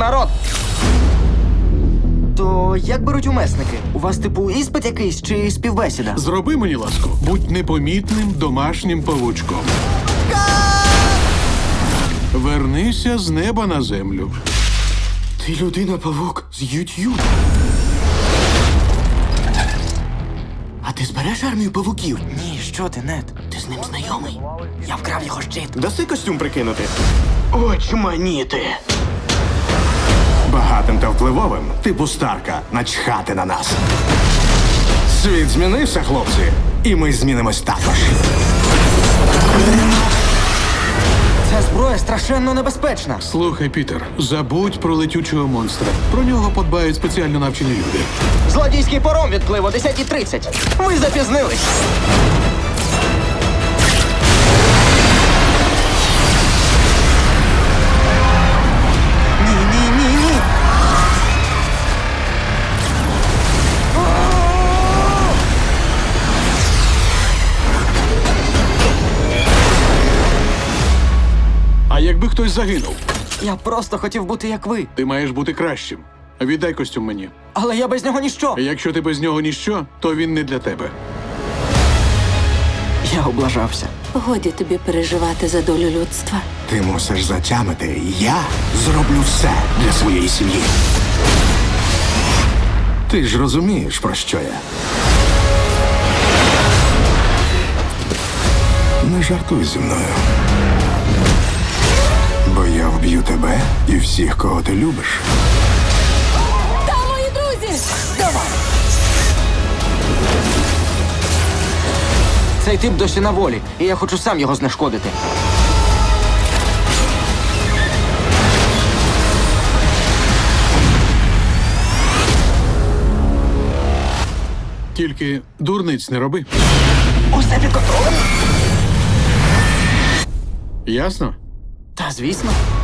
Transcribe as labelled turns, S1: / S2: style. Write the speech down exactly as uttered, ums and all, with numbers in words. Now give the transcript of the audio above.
S1: народ! То як беруть умесники? У вас, типу, іспит якийсь чи співбесіда?
S2: Зроби мені ласку. Будь непомітним домашнім павучком. Вернися з неба на землю.
S1: Ти людина-павук з YouTube. А ти збереш армію павуків? Ні, що ти, Нед? Ти з ним знайомий. Я вкрав його щит.
S3: Даси костюм прикинути?
S1: Очманіти.
S3: Багатим та впливовим, типу Старка, начхати на нас. Світ змінився, хлопці, і ми змінимось також.
S1: Ця зброя страшенно небезпечна.
S2: Слухай, Пітер, забудь про летючого монстра. Про нього подбають спеціально навчені люди.
S1: Злодійський паром відплив о десята тридцять. Ви запізнились. Ні, ні, ні, ні.
S2: А якби хтось загинув,
S1: Я просто хотів бути як ви.
S2: ти маєш бути кращим. Віддай костюм мені.
S1: Але я без нього ніщо.
S2: А якщо ти без нього ніщо, то він не для тебе.
S1: Я облажався.
S4: Годі тобі переживати за долю людства.
S3: Ти мусиш затямити, я зроблю все для своєї сім'ї. Ти ж розумієш, про що я. Не жартуй зі мною. Бо я вб'ю тебе і всіх, кого ти любиш.
S4: Та, мої друзі!
S1: Давай! Цей тип досі на волі, і я хочу сам його знешкодити.
S2: Тільки дурниць не роби.
S1: Усе під контролем?
S2: Ясно?
S1: Та звісно.